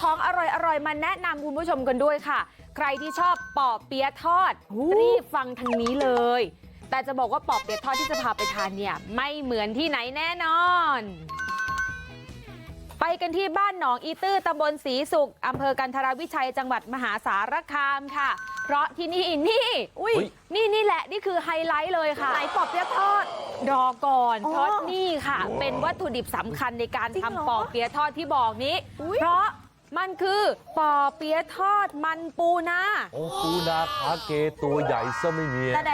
ของอร่อยมาแนะนำคุณผู้ชมกันด้วยค่ะใครที่ชอบปอเปี๊ยะทอดรีบฟังทางนี้เลยแต่จะบอกว่าปอเปี๊ยะทอดที่จะพาไปทานเนี่ยไม่เหมือนที่ไหนแน่นอนไปกันที่บ้านหนองอีตื้อตำบลศรีสุขอำเภอกันทรวิชัยจังหวัดมหาสารคามค่ะเพราะที่นี่นี่แหละนี่คือไฮไลท์เลยค่ะไหนปอเปี๊ยะทอดรอก่อนเพราะนี่ค่ะเป็นวัตถุดิบสำคัญในการทำปอเปี๊ยะทอดที่บอกนี้เพราะมันคือปอเปี๊ยะทอดมันปูนาโอ้ปูนาขาเกตัวใหญ่ซะไม่มีแต่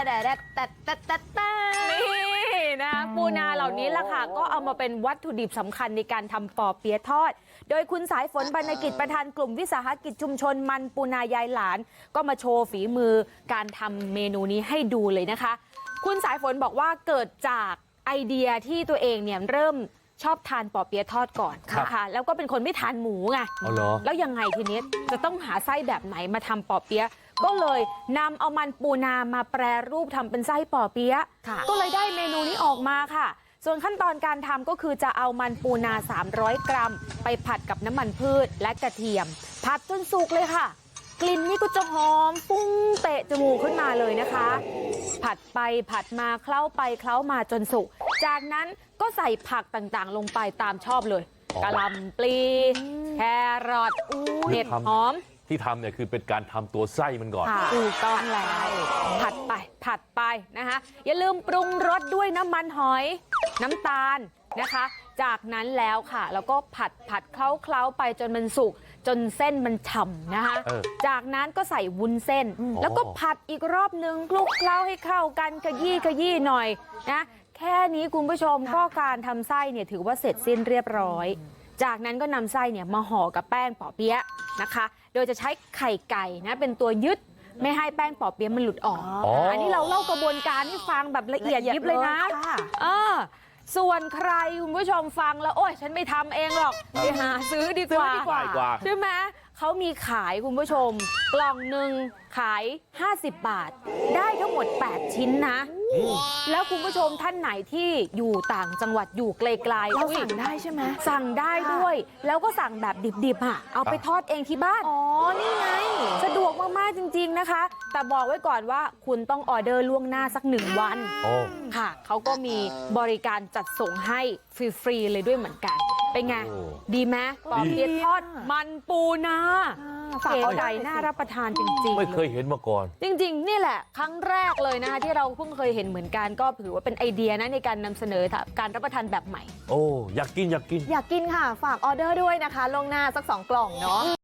นี่นะปูนาเหล่านี้ล่ะค่ะก็เอามาเป็นวัตถุดิบสำคัญในการทำปอเปี๊ยะทอดโดยคุณสายฝนบรรณกิจประธานกลุ่มวิสาหกิจชุมชนมันปูนายายหลานก็มาโชว์ฝีมือการทำเมนูนี้ให้ดูเลยนะคะคุณสายฝนบอกว่าเกิดจากไอเดียที่ตัวเองเนี่ยเริ่มชอบทานปอเปี๊ยะทอดก่อนนะคะแล้วก็เป็นคนไม่ทานหมูไงแล้วยังไงทีนี้จะต้องหาไส้แบบไหนมาทำปอเปี๊ยะก็เลยนำเอามันปูนามาแปรรูปทำเป็นไส้ปอเปี๊ยะก็เลยได้เมนูนี้ออกมาค่ะส่วนขั้นตอนการทำก็คือจะเอามันปูนา300 กรัมไปผัดกับน้ำมันพืชและกระเทียมผัดจนสุกเลยค่ะกลิ่นนี่ก็จะหอมฟุ้งเตะจมูกขึ้นมาเลยนะคะผัดไปผัดมาเคล้าไปเคล้ามาจนสุกจากนั้นก็ใส่ผักต่างๆลงไปตามชอบเลยกะหล่ำปลีแครอทเห็ดหอมที่ทำเนี่ยคือเป็นการทำตัวไส้มันก่อนถูกต้องแล้วผัดไปนะคะอย่าลืมปรุงรสด้วยน้ำมันหอยน้ำตาลนะคะจากนั้นแล้วค่ะแล้วก็ผัดเคล้าไปจนมันสุกจนเส้นมันฉ่ำนะคะจากนั้นก็ใส่วุ้นเส้นแล้วก็ผัดอีกรอบนึงคลุกเคล้าให้เข้ากันขยี้หน่อยนะแค่นี้คุณผู้ชมก็การทำไส้เนี่ยถือว่าเสร็จสิ้นเรียบร้อยจากนั้นก็นำไส้เนี่ยมาห่อกับแป้งปอเปี๊ยะนะคะโดยจะใช้ไข่ไก่นะเป็นตัวยึดไม่ให้แป้งปอเปี๊ยะมันหลุดออกอันนี้เราเล่ากระบวนการให้ฟังแบบละเอียดยิบเลยนะส่วนใครคุณผู้ชมฟังแล้วโอ๊ยฉันไม่ทำเองหรอกไปหาซื้อดีกว่าใช่ไหมเขามีขายคุณผู้ชมกล่องหนึ่งขาย50 บาทได้ทั้งหมด8ชิ้นนะแล้วคุณผู้ชมท่านไหนที่อยู่ต่างจังหวัดอยู่ไกลๆเราสั่งได้ใช่ไหมสั่งได้ด้วยแล้วก็สั่งแบบดิบๆเอาไปทอดเองที่บ้านนี่ไงสะดวกมากๆจริงๆนะคะแต่บอกไว้ก่อนว่าคุณต้องออเดอร์ล่วงหน้าสัก1 วันค่ะเขาก็มีบริการจัดส่งให้ฟรีๆเลยด้วยเหมือนกันเป็นไงดีไหมปอเปี๊ยะทอดมันปูนาฝากไก่น่ารับประทานจริงๆไม่เคยเห็นมาก่อนจริงๆนี่แหละครั้งแรกเลยนะคะที่เราเพิ่งเคยเห็นเหมือนกันก็ถือว่าเป็นไอเดียนะในการนำเสนอการรับประทานแบบใหม่อยากกินค่ะฝากออเดอร์ด้วยนะคะล่วงหน้าสัก2 กล่องเนาะ